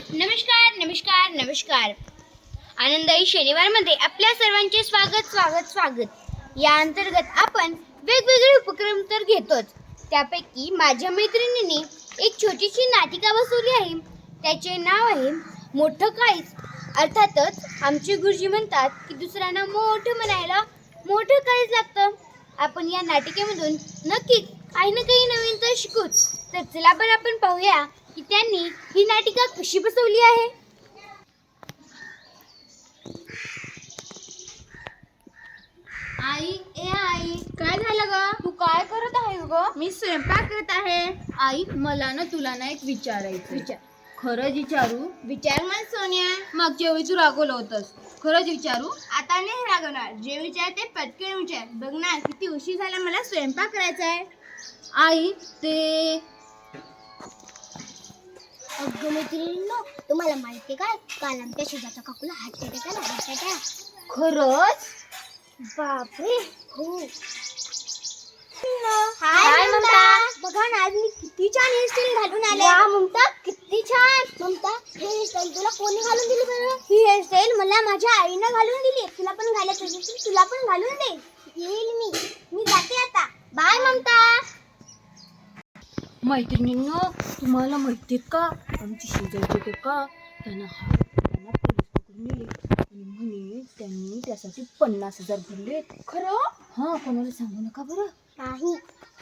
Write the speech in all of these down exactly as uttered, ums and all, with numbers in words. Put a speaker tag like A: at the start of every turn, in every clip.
A: नमस्कार नमस्कार नमस्कार आनंदाई शनिवारमध्ये आपल्या सर्वांचे स्वागत स्वागत स्वागत या अंतर्गत आपण वेगवेगळे उपक्रम तर घेतोच. त्यापैकी माझ्या मैत्रिणींनी एक छोटीशी नाटिका बसवली आहे. त्याचे नाव आहे मोठं काळीज. अर्थातच आमचे गुरुजी म्हणतात की दुसऱ्यांना मोठं म्हणायला मोठं काळीज लागतं. आपण या नाटिकेमधून नक्कीच काही ना काही नवीन तर शिकूच. तर चला पण आपण पाहूया की त्यांनी ही नाटिका कशी बसवली आहे.
B: आई ए आई
A: काय झालं ग?
B: तू काय करत आहेस ग?
A: मी स्वयंपाक करत आहे.
B: आई मला ना तुला ना एक विचारायचं.
A: विचार
B: खरंच विचारू?
A: विचार मला सोन्या.
B: मागच्या वेळी तू रागवलं होतंस. खरंच विचारू?
A: आता नाही रागवणार. जे विचार ते पटकन विचार. बघ ना किती उशीर झाला, मला स्वयंपाक करायचा आहे.
B: आई ते
A: अगं मैत्रिणींनो, तुम्हाला माहिती काय, काल आमच्या शेजारच्या काकूला हार्ट अटॅक आला. Heart attack.
B: खरंच?
A: बापरे. हो.
B: हाय ममता.
A: बघा ना, आज मी किती छान हेअरस्टाईल घालून आले. वा ममता, किती छान. ममता, हे हेअरस्टाईल तुला कोणी घालून दिली बरं? ही हेअरस्टाईल मला माझ्या आईनं घालून दिली. तुला पण घालायचं असेल तुला पण घालून दे. येईल मी. मी जाते आता. बाय ममता.
B: मैत्रिणींनो, तुम्हाला माहिती का आमची शेजारचे ते का त्यांना हा त्यांना पोलीस पकडून नेले आणि म्हणे त्यांनी त्यासाठी पन्नास हजार भरले.
A: खरं?
B: हा, कोणाला सांगू नका बरं.
A: नाही.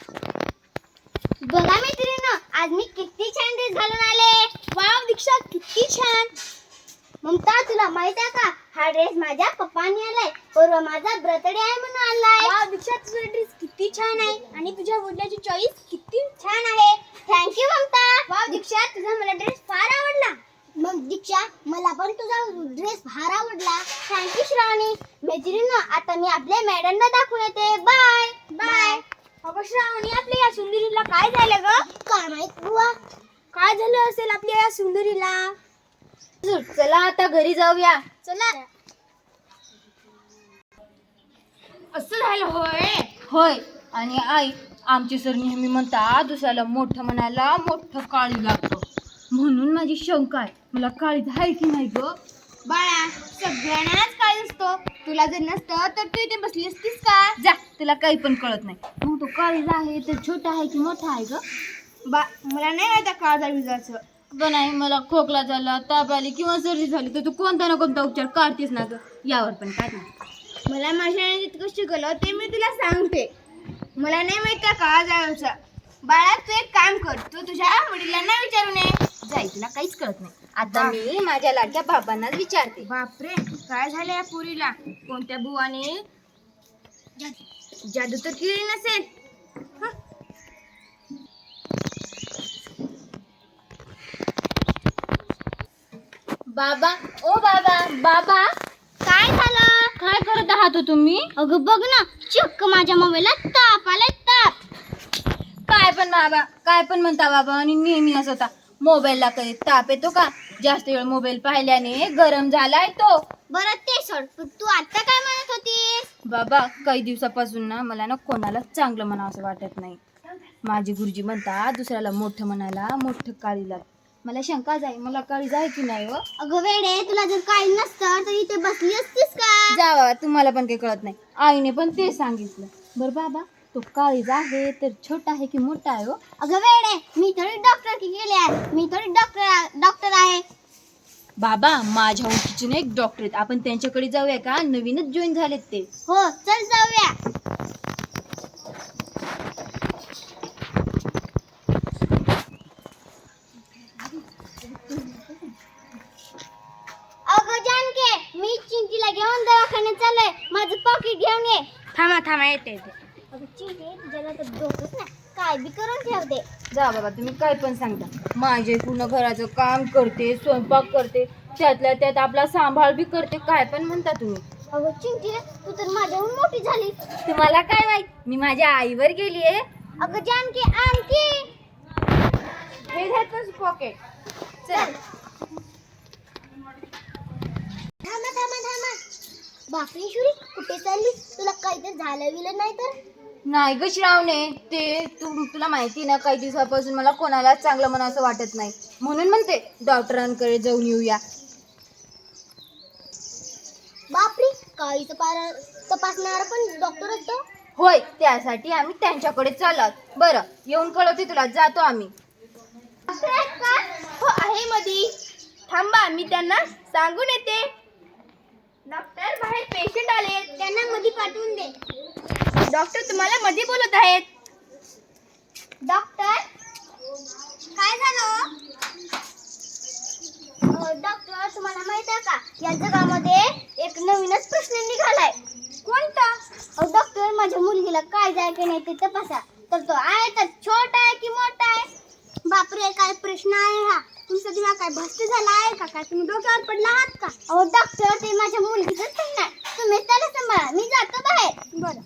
A: बघा मैत्रिणींनो, आज मी किती छान ड्रेस घालून आले. वाव दीक्षा, किती छान. ममता, तुला माहित आहे का, हा ड्रेस माझ्या पप्पांनी आलाय. परवा माझा बर्थडे आहे म्हणून आणलाय. वाव दीक्षा, तुझा ड्रेस किती छान आहे आणि तुझ्या वडिलांची चॉईस किती छान आहे. थँक्यू ममता. वाव दीक्षा, तुझा मला ड्रेस फार आवडला. मग दीक्षा, मला पण तुझा ड्रेस फार आवडला. थँक्यू श्रावणी. मैत्रिणींनो, आता मी आपल्या मॅडमला दाखवून येते. Bye bye. अगं श्रावणी, आपल्या या सुंदरीला काय झालं ग? काय माहित बुवा, काय झालं असेल आपल्या या सुंदरीला.
B: चला आता घरी जाऊया.
A: चला.
B: असं झालं होय? होय. आणि आई, आमचे सर नेहमी म्हणतात दुसऱ्याला मोठं म्हणायला मोठं काळी लागतं. म्हणून माझी शंका आहे, मला काळीज आहे की नाही ग?
A: बाळा, सगळ्यांनाच काय असतो. तुला जर नसतं तर तू इथे बसली असतीस का?
B: जा, तुला काही पण कळत नाही. मग तो काळीज आहे तर छोटा आहे की मोठा आहे ग?
A: बा मला नाही माहिती काळजा विजाचं.
B: ग नाही, मला खोकला झाला, ताप आली किंवा सर्दी झाली तर तू कोणता ना कोणता उपचार काढतेस ना ग. यावर पण काय नाही.
A: मला माझ्या जितकं शिकवलं ते मी तुला सांगते. मला नाही माहित त्या काळजाचा. बाळा, तू एक काम कर, तू तुझ्या वडिलांना विचारून ये.
B: जाई, तुला काहीच कळत नाही. आता मी माझ्या लाडक्या बाबांनाच विचारते.
A: बापरे, काय झालं या पुरीला? कोणत्या बुवाने जादू तर केली नसेल. हं.
B: बाबा, ओ बाबा, बाबा
A: काय झालं?
B: काय करत आहात हो तुम्ही?
A: अगं बघ ना, चक्क माझ्या मोबाईलला ताप आलाय, ताप.
B: काय पण बाबा, काय पण म्हणता बाबा. आणि नेहमी असं होता, मोबाईलला कधी ताप येतो का? जास्त वेळ मोबाईल पाहिल्याने गरम झालाय तो.
A: बरं ते सोड, पण तू आता काय म्हणत होतीस?
B: बाबा, काही दिवसापासून ना मला ना कोणाला चांगलं म्हणावं असं वाटत नाही. माझे गुरुजी म्हणतात दुसऱ्याला मोठं म्हणायला मोठं काळी लाग. मला शंका जाई, मला काळी जाय की नाही? व
A: अगं वेडे, तुला जर काही नसतं तर इथे बसली असतीस का?
B: जा बाबा, तुम्हाला पण काही कळत नाही. आईने पण ते सांगितलं. बरं बाबा, तो काळीज आहे तर छोटा आहे की मोठा आहे? हो
A: अगं वेडे, मी थोडी डॉक्टर की गेले आहे. मी थोडी डॉक्टर डॉक्टर आहे.
B: बाबा, माझ्या ओळखीचे ना एक डॉक्टर आहेत, आपण त्यांच्याकडे जाऊया का? नवीनच जॉईन झालेत ते.
A: हो, चल जाऊया. अगं जानके, मी चिंटीला घेऊन दवाखान्यात चाललोय. माझं पॉकेट घेऊन ये.
B: थांबा थांबा, येते येते.
A: अगं चिंटी, तुझ्याला तर डोकंच ना, काय बी करून ठेवते.
B: जा बाबा, तुम्ही काय पण सांगता. माझे पूर्ण घराचं काम करते, स्वयंपाक करते, त्यातल्या त्यात आपला सांभाळ बी करते. काय पण म्हणता तुम्ही.
A: अगं चिंटी, तू तर माझ्याहून मोठी झाली.
B: तुम्हाला काय माहित, मी माझ्या आईवर गेलीये.
A: अगं जानकी, आणखी
B: हे घ्यायचं पॉकेट.
A: चल. थांबा थांबा थांबा. बापरे शुरी, कुठे चालली? तुला काही तर झालं गेलं नाही तर?
B: नाही ग श्रावणे, ते तू तुला माहिती ना, काही दिवसापासून मला कोणाला चांगलं म्हणावं असं वाटत नाही. म्हणून म्हणते डॉक्टरांकडे जाऊन येऊया.
A: बापरे, काळीचं पारा तपासणारा पण डॉक्टर असतो.
B: होय, त्यासाठी आम्ही त्यांच्याकडे चालत. बरं, येऊन कळवते तुला. जातो आम्ही.
A: डॉक्टर आहेत का?
B: हो, आहे मधी. थांबा, मी त्यांना सांगून येते. डॉक्टर, बाहेर पेशंट आले,
A: त्यांना मध्ये पाठवून दे.
B: डॉक्टर तुम्हाला मध्ये बोलत आहेत.
A: डॉक्टर, काय झालं? अं, डॉक्टर, तुम्हाला माहित आहे का, या जगामध्ये एक नवीनच प्रश्न निघालाय. कोणता? अहो डॉक्टर, माझ्या मुलगीला काय जाय की नाही ते तपासा. तर तो आहे तर छोटा आहे की मोठा आहे? बापरे, काय प्रश्न आहे हा. तुमचा दिमाग काय भ्रष्ट झाला आहे का? काय तुम्ही डोक्यावर पडला आहात का? अहो डॉक्टर, ते माझ्या मुलगीचंच प्रश्न आहे. तुम्ही त्याला सांभाळा, मी जातो बाहेर. बरं.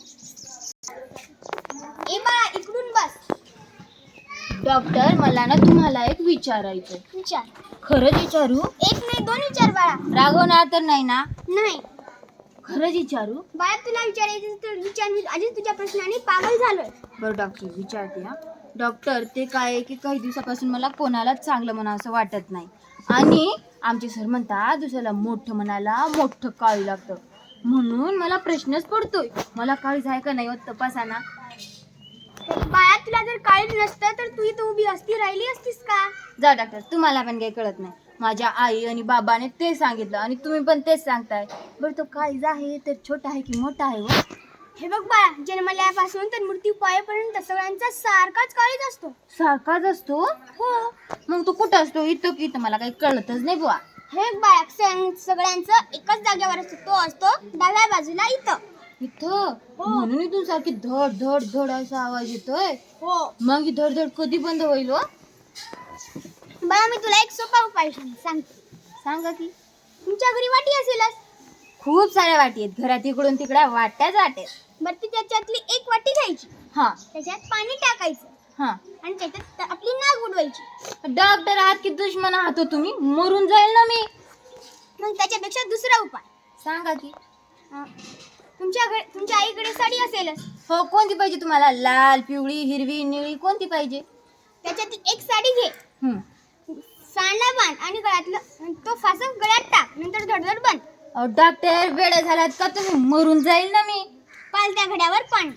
A: ए बाळा, इकडून बस.
B: डॉक्टर, मला ना तुम्हाला एक विचारायचं.
A: विचार.
B: खरंच विचारू?
A: एक नाही, दोन विचार बाळा.
B: रागवणार तर नाही ना?
A: नाही
B: खरंच विचारू?
A: बाळा, तुला विचारायचं तर विचार. मी आधीच तुझ्या प्रश्नाने पागल झालोय.
B: बरं डॉक्टर, विचारते हा. डॉक्टर, ते काय आहे की काही दिवसापासून मला कोणालाच चांगलं म्हणा असं वाटत नाही. आणि आमचे सर म्हणतात दुसऱ्याला मोठं म्हणायला मोठं काळी लागतं. म्हणून मला प्रश्नच पडतोय, मला काळीज आहे का नाही होत तपासा ना.
A: बाळा, तुला जर काळीज नसतं तर तू इथं उभी असती राहिली असतीस का?
B: जा डॉक्टर, तुम्हाला पण काही कळत नाही. माझ्या आई आणि बाबाने ते सांगितलं आणि तुम्ही पण तेच सांगताय. बरं, तो काळीज आहे तर छोटा आहे की मोठा आहे? व
A: हे बघ बाळा, जन्मल्यापासून तर मृत्यू पायपर्यंत सगळ्यांचा सारखाच काळीज असतो.
B: सारखाच असतो?
A: हो.
B: मग तो कुठं असतो? इथं की इथं? मला काही कळतच नाही बुवा.
A: हे बघ बाळा, सं- सगळ्यांचं एकाच जागेवर असतो. तो असतो डाव्या बाजूला इथं.
B: इथं? म्हणून इथून सारखी धड धड धड असा आवाज येतोय.
A: हो.
B: मग ही धड धड कधी बंद होईल? व
A: बाळा, मी तुला एक सोपा उपाय सांगते.
B: सांगा की.
A: तुमच्या घरी वाटी असेलच.
B: खूप साऱ्या वाटी आहेत घरात, इकडून तिकडे वाट्याच वाट्यात.
A: बरं, ती त्याच्यातली एक वाटी घ्यायची.
B: हा
A: त्याच्यात पाणी टाकायचं
B: हा.
A: आणि त्याच्यात आपली नाक उडवायची.
B: डॉक्टर आहात की दुश्मन आहात हो तुम्ही? मरून जाईल ना मी.
A: मग त्याच्यापेक्षा दुसरा उपाय
B: सांगा की.
A: अं, तुमच्या घरी तुमच्या आईकडे साडी असेलच.
B: हो, कोणती पाहिजे तुम्हाला? लाल, पिवळी, हिरवी, निळी, कोणती पाहिजे?
A: त्याच्यातली एक साडी घे.
B: हम्म.
A: सांडला बांध आणि गळ्यातलं तो फासा गळ्यात टाक. नंतर धडधड बंद.
B: अहो डॉक्टर, वेळ झालात का तुम्ही? मरून जाईल ना मी.
A: पालत्या घड्यावर पाणी.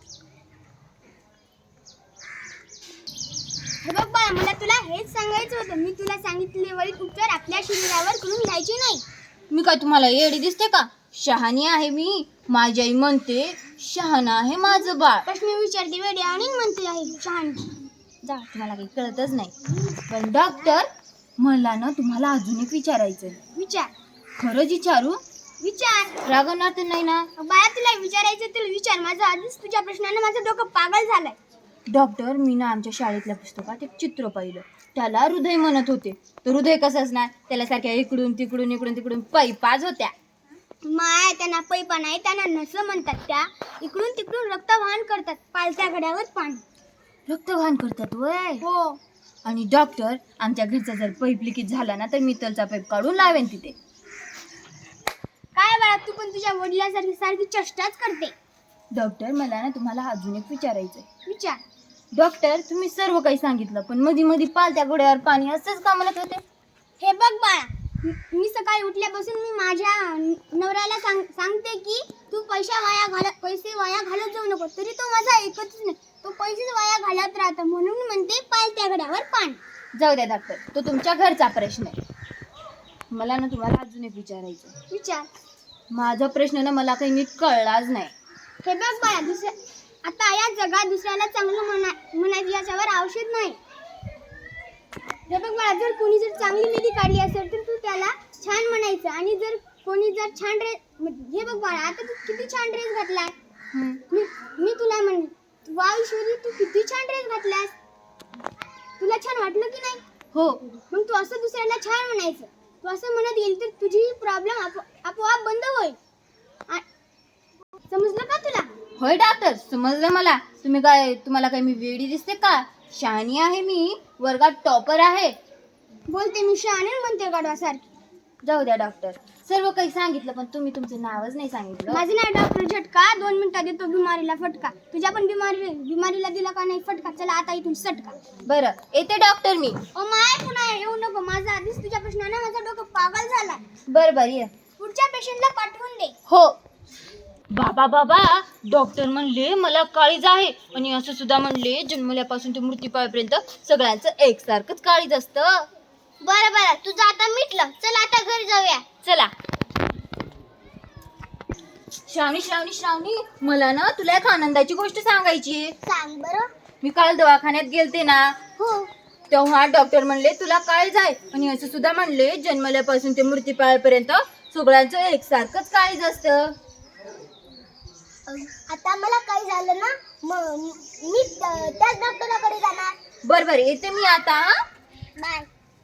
A: हे बघ बाळा, मला तुला हेच सांगायचं होतं. मी तुला सांगितले वरील उपचार आपल्या शरीरावर करून घ्यायचे नाही.
B: मी काय तुम्हाला येडी दिसते का? शहाणी आहे मी. माझी आई म्हणते शहाणा आहे माझं बाळ.
A: प्रश्न विचारते वेळी आणि म्हणते आहे शहाणी.
B: जा, तुम्हाला काही कळतच नाही. पण डॉक्टर, मला ना तुम्हाला अजून एक विचारायचं.
A: विचार.
B: खरंच विचारू?
A: विचार.
B: रागवणार तर नाही ना?
A: बाळा, तुला विचारायचं तर विचार. माझं आधीच तुझ्या प्रश्नाने माझं डोकं पागल झालंय.
B: डॉक्टर, मी ना आमच्या शाळेतल्या पुस्तकात एक चित्र पाहिलं. त्याला हृदय म्हणत होते. तर हृदय कसं असणार? त्याला सारख्या इकडून तिकडून इकडून तिकडून पैपाज होत्या.
A: माय, त्यांना पैपा नाही, त्यांना नसं म्हणतात. त्या इकडून तिकडून रक्त वाहन करतात. पालत्या घड्यावर पाणी.
B: रक्तवाहन करतात वय?
A: हो.
B: आणि डॉक्टर, आमच्या घरचा जर पैप लिकेज झाला ना तर मी तलचा पैप काढून लावेन तिथे.
A: काय बाळा, तू पण तुझ्या वडिलांसारखी सारखी चेष्टाच करते.
B: डॉक्टर, मला ना तुम्हाला अजून एक विचारायचंय.
A: विचार.
B: डॉक्टर, तुम्ही सर्व काही सांगितलं, पण मधी मधी पालत्या घोड्यावर पाणी असंच का म्हणत होते?
A: हे बघ बाळा, मी सकाळी उठल्यापासून मी माझ्या नवऱ्याला सांग सांगते की तू पैसा वाया घालत पैसे वाया घालत जाऊ नको. तरी तो माझा ऐकतच नाही. तो पैसेच वाया घालत राहतो. म्हणून मी म्हणते पालत्या घड्यावर पाणी.
B: जाऊ द्या डॉक्टर, तो तुमच्या घरचा प्रश्न आहे. मला ना तुम्हाला अजून एक विचारायचं.
A: विचार.
B: माझा प्रश्न ना मला काही नीट कळलाच नाही.
A: हे बघ बाळा, दुसऱ्या आता या जगात दुसऱ्याला चांगलं म्हणा म्हणायचं याच्यावर औषध नाही. हे बघ बाळा, जर कोणी जर चांगली मेहंदी काढली असेल तर तू त्याला छान म्हणायचं. आणि जर कोणी जर छान ड्रेस, हे बघ बाळा, आता तू किती छान ड्रेस घातलाय.
B: हम्म.
A: मी मी तुला म्हण वा ईश्वरी, तू किती छान ड्रेस घातलास. तुला छान वाटलं की नाही?
B: हो.
A: मग तू असं दुसऱ्याला छान म्हणायचं. तू असं म्हणत गेली तर तुझी प्रॉब्लेम आपोआप बंद होईल. आ- समजलं का तुला?
B: होय डॉक्टर, समजलं मला. तुम्ही काय, तुम्हाला काय मी वेडी दिसते का? शहाणी आहे मी, वर्गात टॉपर आहे.
A: बोलते मी शहाणे म्हणते गाडवासारखी.
B: जाऊ द्या डॉक्टर, सर्व काही सांगितलं, पण तुम्ही तुमचं नावच नाही सांगितलं.
A: माझं नाव डॉक्टर झटका. दोन मिनिटात देतो बिमारीला फटका. तुझ्या पण बिमारी बिमारीला दिला का नाही फटका? चला आता इथून सटका.
B: बरं, येते डॉक्टर मी.
A: ओ माय, पुन्हा येऊ नको. माझा आधीच तुझ्या प्रश्नानं माझं डोकं पागल झाला.
B: बरं बरं ये.
A: पुढच्या पेशंटला पाठवून दे.
B: हो. बाबा बाबा, डॉक्टर म्हणले मला काळीज आहे, आणि असं सुद्धा म्हणले जन्मल्यापासून ते मृत्यूपायपर्यंत सगळ्यांचं एकसारखंच काळीज असतं.
A: बरं बरं, तुझं आता मिटलं. चला आता घरी जाऊया.
B: चला. श्रावणी श्रावणी श्रावणी, मला ना तुला एक आनंदाची गोष्ट सांगायची आहे.
A: सांग बरं.
B: मी काल दवाखान्यात गेलते ना,
A: हो.
B: तेव्हा डॉक्टर म्हणले तुला काळीज आहे, आणि असं सुद्धा म्हणले जन्मल्यापासून ते मृत्यूपायपर्यंत सगळ्यांचं एकसारखंच काळीज असतं.
A: आता मला काही झालं ना, मग मी त- त्याच डॉक्टराकडे जाणार.
B: बरं बरं, येते मी आता. हा?
A: बाय.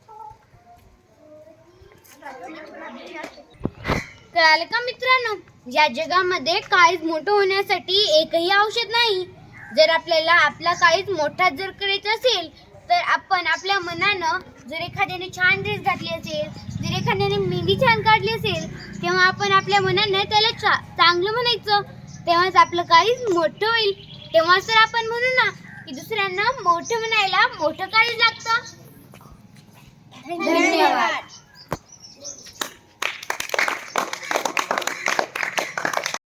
A: कळालं का मित्रांनो, या जगामध्ये काळीज मोठं होण्यासाठी एकही औषध नाही. जर आपल्याला आपला काळीज मोठा जर करायचा असेल, तर आपण आपल्या मनानं, जर एखाद्याने छान ड्रेस घातली असेल, जर एखाद्याने मेहंदी छान काढली असेल, तेव्हा आपण आपल्या मनानं त्याला चा चांगलं म्हणायचं. तेव्हाच आपलं काळीज मोठं होईल. तेव्हाच तर आपण म्हणू ना की दुसऱ्यांना मोठं म्हणायला मोठं काळीज लागतं.
B: धन्यवाद.